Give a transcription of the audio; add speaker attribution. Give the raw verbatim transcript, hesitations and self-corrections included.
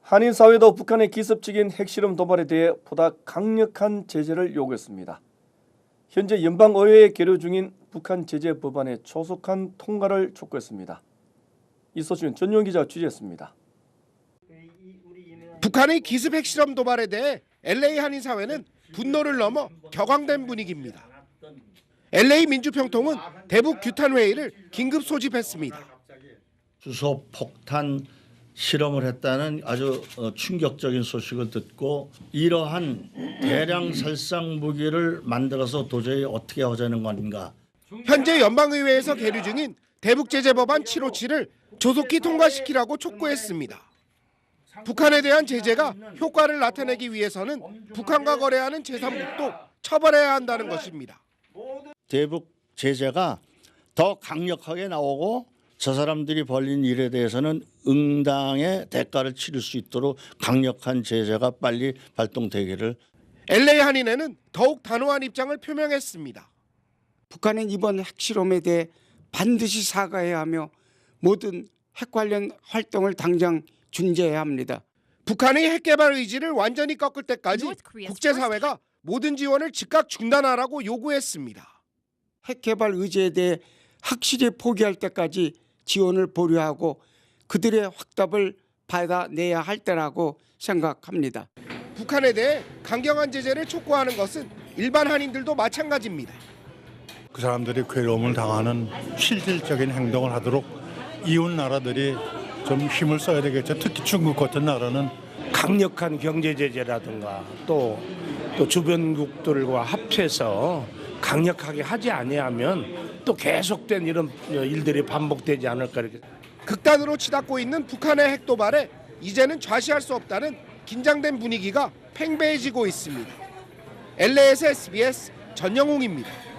Speaker 1: 한인 사회도 북한의 기습적인 핵실험 도발에 대해 보다 강력한 제재를 요구했습니다. 현재 연방의회에 계류 중인 북한 제재 법안의 조속한 통과를 촉구했습니다. 이 소식은 전용 기자가 취재했습니다.
Speaker 2: 북한의 기습 핵실험 도발에 대해 엘에이 한인 사회는 분노를 넘어 격앙된 분위기입니다. 엘에이 민주평통은 대북 규탄 회의를 긴급 소집했습니다.
Speaker 3: 주소 폭탄 실험을 했다는 아주 충격적인 소식을 듣고 이러한 대량 살상 무기를 만들어서 도저히 어떻게 하자는 건가.
Speaker 2: 현재 연방의회에서 계류 중인 대북제재법안 칠백오십칠을 조속히 통과시키라고 촉구했습니다. 북한에 대한 제재가 효과를 나타내기 위해서는 북한과 거래하는 제삼국도 처벌해야 한다는 것입니다.
Speaker 3: 대북 제재가 더 강력하게 나오고 저 사람들이 벌린 일에 대해서는 응당의 대가를 치를 수 있도록 강력한 제재가 빨리 발동되기를.
Speaker 2: 엘에이 한인회는 더욱 단호한 입장을 표명했습니다.
Speaker 4: 북한은 이번 핵실험에 대해 반드시 사과해야 하며 모든 핵 관련 활동을 당장 중지해야 합니다.
Speaker 2: 북한의 핵개발 의지를 완전히 꺾을 때까지 국제사회가 모든 지원을 즉각 중단하라고 요구했습니다.
Speaker 4: 핵개발 의지에 대해 확실히 포기할 때까지 지원을 보류하고 그들의 확답을 받아내야 할 때라고 생각합니다.
Speaker 2: 북한에 대해 강경한 제재를 촉구하는 것은 일반 한인들도 마찬가지입니다.
Speaker 5: 그 사람들이 괴로움을 당하는 실질적인 행동을 하도록 이웃 나라들이 좀 힘을 써야 되겠죠. 특히 중국 같은 나라는
Speaker 6: 강력한 경제 제재라든가 또, 또 주변국들과 합해서 강력하게 하지 아니하면 또 계속된 이런 일들이 반복되지 않을까 이렇게.
Speaker 2: 극단으로 치닫고 있는 북한의 핵 도발에 이제는 좌시할 수 없다는 긴장된 분위기가 팽배해지고 있습니다. 엘에이에스 에스비에스 전영웅입니다.